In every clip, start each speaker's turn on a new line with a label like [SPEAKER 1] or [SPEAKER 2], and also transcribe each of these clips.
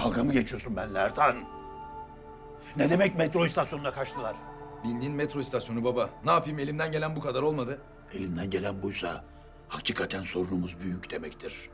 [SPEAKER 1] Dalga mı geçiyorsun benimle Ertan? Ne demek metro istasyonuna kaçtılar?
[SPEAKER 2] Bildiğin metro istasyonu baba. Ne yapayım, elimden gelen bu kadar olmadı.
[SPEAKER 1] Elinden gelen buysa hakikaten sorunumuz büyük demektir.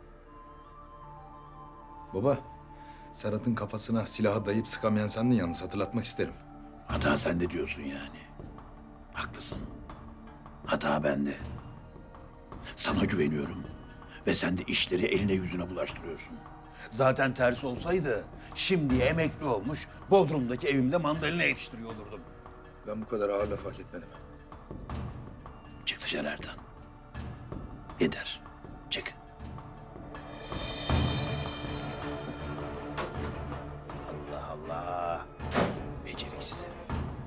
[SPEAKER 2] Baba, Serhat'ın kafasına silahı dayayıp sıkamayan sendin yalnız, hatırlatmak isterim.
[SPEAKER 1] Hata sende diyorsun yani. Haklısın. Hata bende. Sana güveniyorum. Ve sen de işleri eline yüzüne bulaştırıyorsun. Zaten tersi olsaydı şimdiye emekli olmuş Bodrum'daki evimde mandalina yetiştiriyor olurdum.
[SPEAKER 2] Ben bu kadar ağır laf hak etmedim.
[SPEAKER 1] Çık dışarı Ertan. Yeter. Çık. Allah Allah. Beceriksiz herif.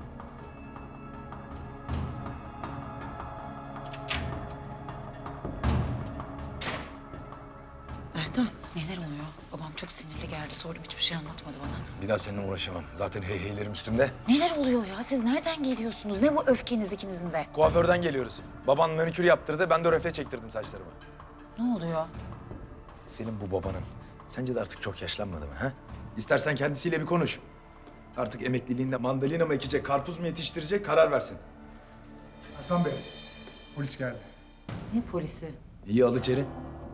[SPEAKER 3] Ertan, neler oluyor? Babam çok sinirli geldi. Sordum, hiçbir şey anlatmadı bana.
[SPEAKER 2] Bir daha seninle uğraşamam. Zaten heyheylerim üstümde.
[SPEAKER 3] Neler oluyor ya? Siz nereden geliyorsunuz? Ne bu öfkeniz ikinizin de?
[SPEAKER 2] Kuaförden geliyoruz. Baban manikür yaptırdı, ben de röfle çektirdim saçlarımı.
[SPEAKER 3] Ne oluyor?
[SPEAKER 2] Senin bu babanın sence de artık çok yaşlanmadı mı ha? İstersen kendisiyle bir konuş. Artık emekliliğinde mandalina mı ekecek, karpuz mu yetiştirecek karar versin.
[SPEAKER 4] Ertan Bey, polis geldi.
[SPEAKER 3] Ne polisi?
[SPEAKER 2] İyi al içeri.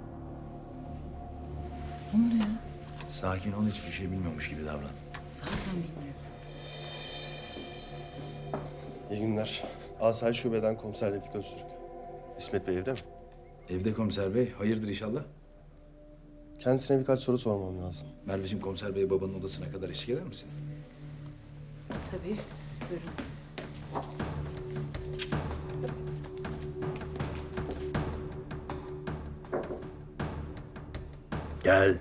[SPEAKER 3] Ne oluyor?
[SPEAKER 2] Sakin ol, hiçbir şey bilmiyormuş gibi davran.
[SPEAKER 3] Zaten bilmiyorum.
[SPEAKER 5] İyi günler. Asayiş Şube'den Komiser Refik Öztürk. İsmet Bey evde mi?
[SPEAKER 2] Evde komiser bey, hayırdır inşallah?
[SPEAKER 5] Kendisine birkaç soru sormam lazım.
[SPEAKER 2] Merveciğim, komiser bey babanın odasına kadar eşlik eder misin?
[SPEAKER 3] Tabii. Buyurun.
[SPEAKER 1] Gel.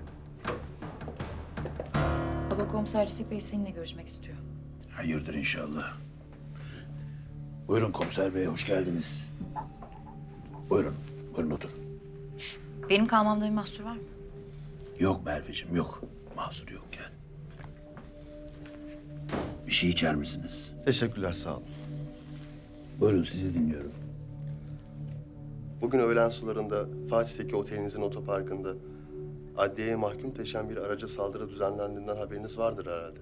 [SPEAKER 3] Baba, Komiser Refik Bey seninle görüşmek istiyor.
[SPEAKER 1] Hayırdır inşallah. Buyurun komiser bey, hoş geldiniz. Buyurun, buyurun oturun.
[SPEAKER 3] Benim kalmamda bir mahsur var mı?
[SPEAKER 1] Yok Merveciğim, yok. Mahsur yok, gel. Bir şey içer misiniz?
[SPEAKER 5] Teşekkürler, sağ olun.
[SPEAKER 1] Buyurun, sizi dinliyorum.
[SPEAKER 5] Bugün öğlen sularında Fatih'teki otelinizin otoparkında adliyeye mahkum taşıyan bir araca saldırı düzenlendiğinden haberiniz vardır herhalde.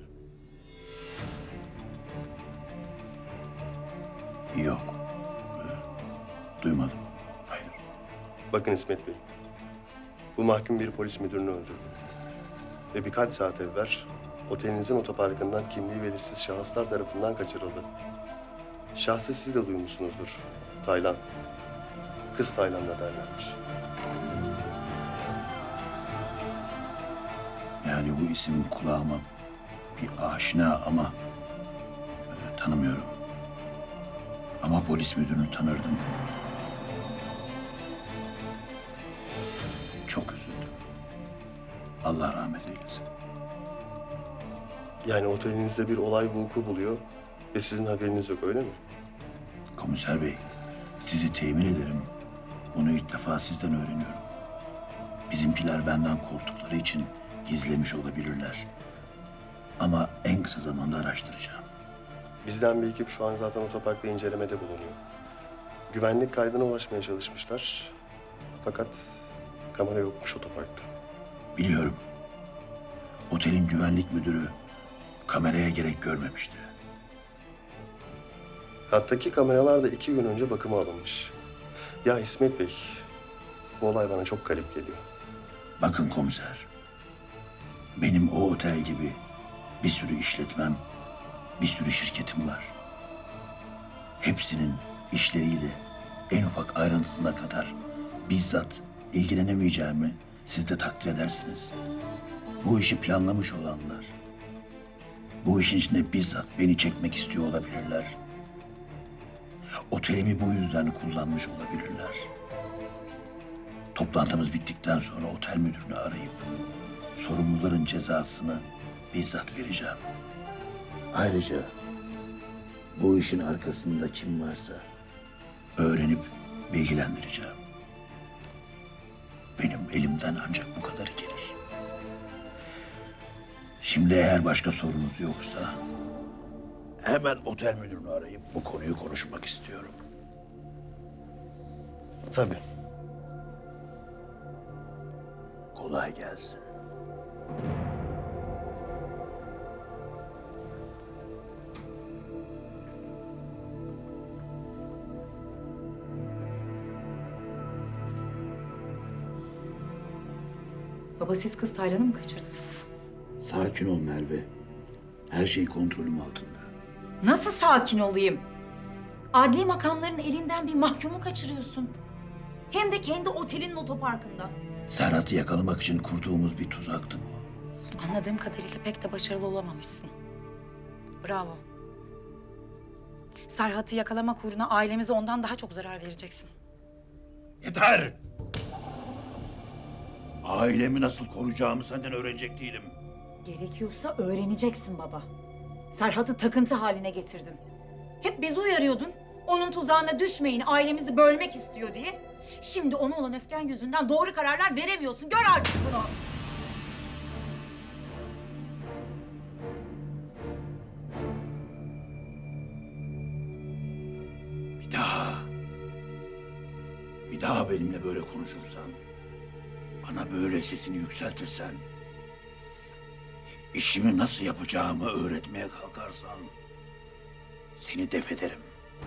[SPEAKER 1] Yok. Duymadım. Hayır.
[SPEAKER 5] Bakın İsmet Bey, bu mahkum bir polis müdürünü öldürdü. Ve birkaç saat evvel otelinizin otoparkından kimliği belirsiz şahıslar tarafından kaçırıldı. Şahsı siz de duymuşsunuzdur. Taylan. Kız Taylan'da derlermiş.
[SPEAKER 1] Yani bu isim kulağıma bir aşina ama tanımıyorum. Ama polis müdürünü tanırdım. Çok üzüldüm. Allah rahmet eylesin.
[SPEAKER 5] Yani otelinizde bir olay vuku buluyor ve sizin haberiniz yok, öyle mi?
[SPEAKER 1] Komiser bey, sizi temin ederim. Bunu ilk defa sizden öğreniyorum. Bizimkiler benden korktukları için gizlemiş olabilirler. Ama en kısa zamanda araştıracağım.
[SPEAKER 5] Bizden bir ekip şu an zaten otoparkta incelemede bulunuyor. Güvenlik kaydına ulaşmaya çalışmışlar. Fakat kamera yokmuş otoparkta.
[SPEAKER 1] Biliyorum. Otelin güvenlik müdürü kameraya gerek görmemişti.
[SPEAKER 5] Hattaki kameralar da 2 gün önce bakıma alınmış. Ya İsmet Bey, bu olay bana çok garip geliyor.
[SPEAKER 1] Bakın komiser, benim o otel gibi bir sürü işletmem, bir sürü şirketim var. Hepsinin işleriyle en ufak ayrıntısına kadar bizzat ilgilenemeyeceğimi siz de takdir edersiniz. Bu işi planlamış olanlar, bu işin içine bizzat beni çekmek istiyor olabilirler. Otelimi bu yüzden kullanmış olabilirler. Toplantımız bittikten sonra otel müdürünü arayıp sorumluların cezasını bizzat vereceğim. Ayrıca bu işin arkasında kim varsa öğrenip bilgilendireceğim. Benim elimden ancak bu kadarı gelir. Şimdi eğer başka sorunuz yoksa hemen otel müdürünü arayıp bu konuyu konuşmak istiyorum.
[SPEAKER 5] Tabii.
[SPEAKER 1] Kolay gelsin.
[SPEAKER 3] Baba siz kız Taylan'ı mı kaçırdınız?
[SPEAKER 1] Sakin ol Merve. Her şey kontrolüm altında.
[SPEAKER 3] Nasıl sakin olayım? Adli makamların elinden bir mahkumu kaçırıyorsun. Hem de kendi otelinin otoparkında.
[SPEAKER 1] Serhat'ı yakalamak için kurduğumuz bir tuzaktı bu.
[SPEAKER 3] Anladığım kadarıyla pek de başarılı olamamışsın. Bravo. Serhat'ı yakalamak uğruna ailemize ondan daha çok zarar vereceksin.
[SPEAKER 1] Yeter! Ailemi nasıl koruyacağımı senden öğrenecek değilim.
[SPEAKER 3] Gerekiyorsa öğreneceksin baba. Serhat'ı takıntı haline getirdin. Hep bizi uyarıyordun. Onun tuzağına düşmeyin, ailemizi bölmek istiyor diye. Şimdi ona olan öfken yüzünden doğru kararlar veremiyorsun. Gör artık bunu.
[SPEAKER 1] Bir daha benimle böyle konuşursan, bana böyle sesini yükseltirsen, işimi nasıl yapacağımı öğretmeye kalkarsan, seni def ederim.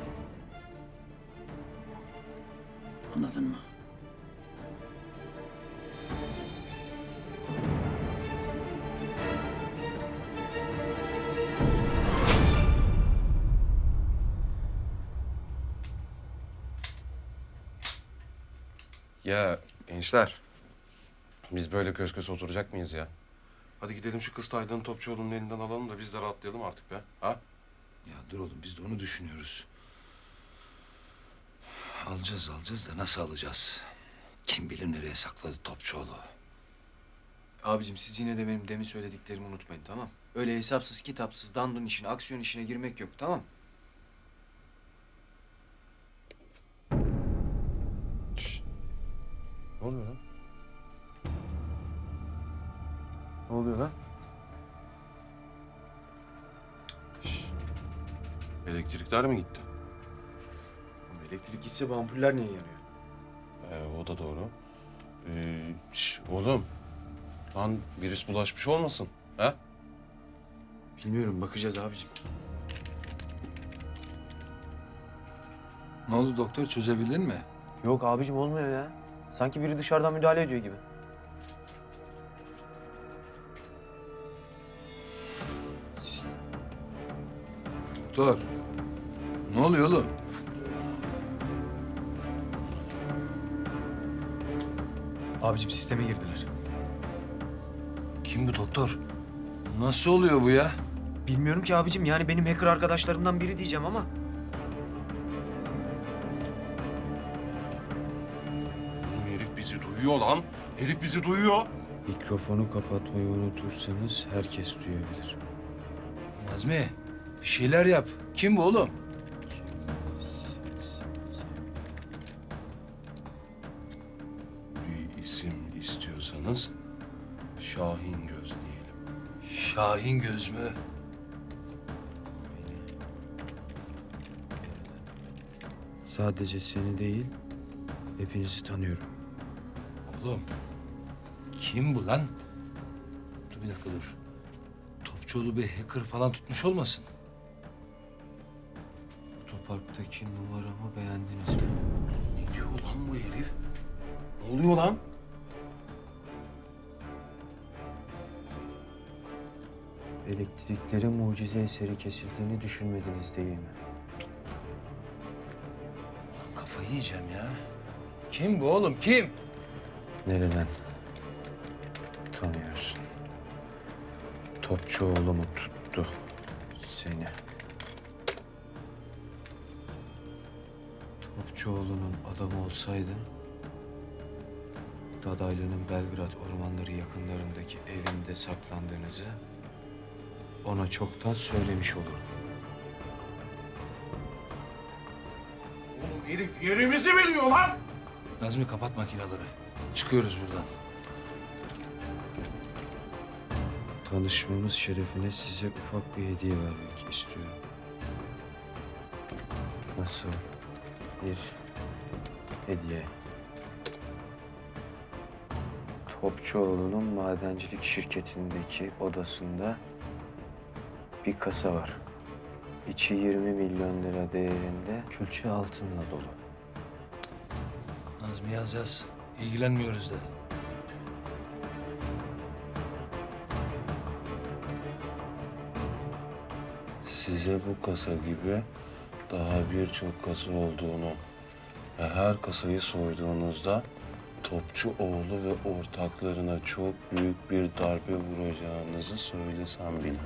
[SPEAKER 1] Anladın mı?
[SPEAKER 6] Ya gençler, biz böyle kös kös oturacak mıyız ya? Hadi gidelim şu kız Taylan'ı Topçuoğlu'nun elinden alalım da biz de rahatlayalım artık be. Ha?
[SPEAKER 2] Ya dur oğlum, biz de onu düşünüyoruz. Alacağız da nasıl alacağız? Kim bilir nereye sakladı Topçuoğlu.
[SPEAKER 7] Abicim siz yine de benim demin söylediklerimi unutmayın, tamam? Öyle hesapsız kitapsız dandun işine, aksiyon işine girmek yok, tamam?
[SPEAKER 6] Ne oluyor lan? Ne oluyor lan? Elektrikler mi gitti?
[SPEAKER 7] Elektrik gitse bu ampuller niye yanıyor?
[SPEAKER 6] O da doğru. Oğlum, lan virüs bulaşmış olmasın? Ha?
[SPEAKER 7] Bilmiyorum, bakacağız abicim.
[SPEAKER 2] Ne oldu doktor, çözebildin mi?
[SPEAKER 7] Yok abicim, olmuyor ya. Sanki biri dışarıdan müdahale ediyor gibi.
[SPEAKER 2] Doktor, ne oluyor oğlum?
[SPEAKER 7] Abicim sisteme girdiler.
[SPEAKER 2] Kim bu doktor? Nasıl oluyor bu ya?
[SPEAKER 7] Bilmiyorum ki abicim, yani benim hacker arkadaşlarımdan biri diyeceğim ama.
[SPEAKER 6] Oğlum herif bizi duyuyor lan. Herif bizi duyuyor.
[SPEAKER 7] Mikrofonu kapatmayı unutursanız herkes duyabilir.
[SPEAKER 2] Nazmi, bir şeyler yap. Kim bu oğlum?
[SPEAKER 6] Bir isim istiyorsanız Şahin Göz diyelim.
[SPEAKER 2] Şahin Göz mü?
[SPEAKER 7] Sadece seni değil, hepinizi tanıyorum.
[SPEAKER 2] Oğlum, kim bu lan? Dur bir dakika dur. Topçuoğlu bir hacker falan tutmuş olmasın?
[SPEAKER 7] Otoparktaki numaramı beğendiniz mi?
[SPEAKER 6] Ne diyor lan bu herif? Ne oluyor lan?
[SPEAKER 7] Elektriklerin mucize eseri kesildiğini düşünmediniz değil mi?
[SPEAKER 2] Kafayı yiyeceğim ya. Kim bu oğlum, kim?
[SPEAKER 7] Nereden tanıyorsun? Topçuoğlu mu tuttu seni? Topçuoğlu'nun adamı olsaydın, Dadaylı'nın Belgrad ormanları yakınlarındaki evinde saklandığınızı ona çoktan söylemiş olurdum.
[SPEAKER 6] Oğlum herif yerimizi biliyor lan.
[SPEAKER 2] Nazmi, kapat makinaları. Çıkıyoruz buradan.
[SPEAKER 7] Tanışmamız şerefine size ufak bir hediye vermek istiyorum. Nasıl bir hediye? Topçuoğlu'nun madencilik şirketindeki odasında bir kasa var. İçi 20 milyon lira değerinde külçe altınla dolu.
[SPEAKER 2] Nazmi yaz. İlgilenmiyoruz de.
[SPEAKER 6] size bu kasa gibi daha birçok kasa olduğunu ve her kasayı soyduğunuzda Topçuoğlu ve ortaklarına çok büyük bir darbe vuracağınızı söylesem bile.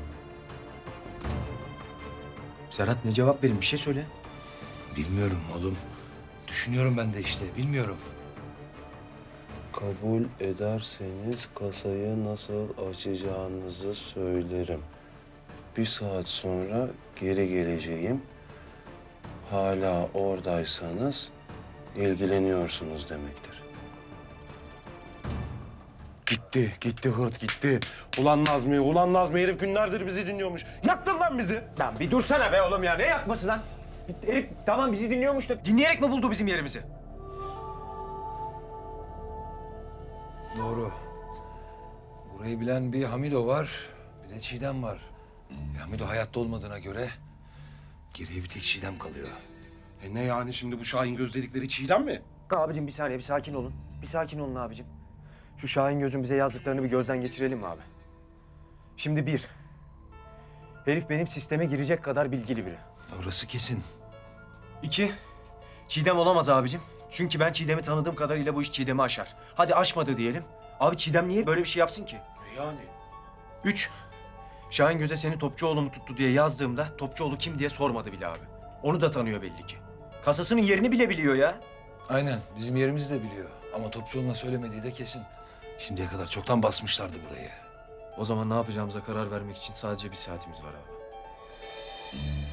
[SPEAKER 7] Serhat ne cevap verin? Bir şey söyle.
[SPEAKER 2] Bilmiyorum oğlum. Düşünüyorum ben de işte, bilmiyorum.
[SPEAKER 6] Kabul ederseniz kasayı nasıl açacağınızı söylerim. Bir saat sonra geri geleceğim. Hala oradaysanız ilgileniyorsunuz demektir. Gitti hırt gitti. Ulan Nazmi herif günlerdir bizi dinliyormuş. Yaktın lan bizi.
[SPEAKER 7] Lan bir dursana be oğlum ya. Ne yakması lan? Herif tamam bizi dinliyormuş da dinleyerek mi buldu bizim yerimizi?
[SPEAKER 2] Doğru. Burayı bilen bir Hamido var, bir de Çiğdem var. Hamido hayatta olmadığına göre geriye bir tek Çiğdem kalıyor.
[SPEAKER 6] Ne yani şimdi bu Şahin göz dedikleri Çiğdem mi?
[SPEAKER 7] Abicim bir saniye bir sakin olun. Bir sakin olun abicim. Şu Şahin Göz'ün bize yazdıklarını bir gözden geçirelim mi abi? Şimdi bir, herif benim sisteme girecek kadar bilgili biri.
[SPEAKER 2] Orası kesin.
[SPEAKER 7] İki, Çiğdem olamaz abicim. Çünkü ben Çiğdem'i tanıdığım kadarıyla bu iş Çiğdem'i aşar. Hadi aşmadı diyelim. Abi Çiğdem niye böyle bir şey yapsın ki?
[SPEAKER 6] Yani.
[SPEAKER 7] Üç, Şahin Göz'e seni Topçuoğlu mu tuttu diye yazdığımda Topçuoğlu kim diye sormadı bile abi. Onu da tanıyor belli ki. Kasasının yerini bile biliyor ya.
[SPEAKER 2] Aynen, bizim yerimizi de biliyor. Ama Topçuoğlu'na söylemediği de kesin. Şimdiye kadar çoktan basmışlardı burayı.
[SPEAKER 7] O zaman ne yapacağımıza karar vermek için sadece bir saatimiz var abi.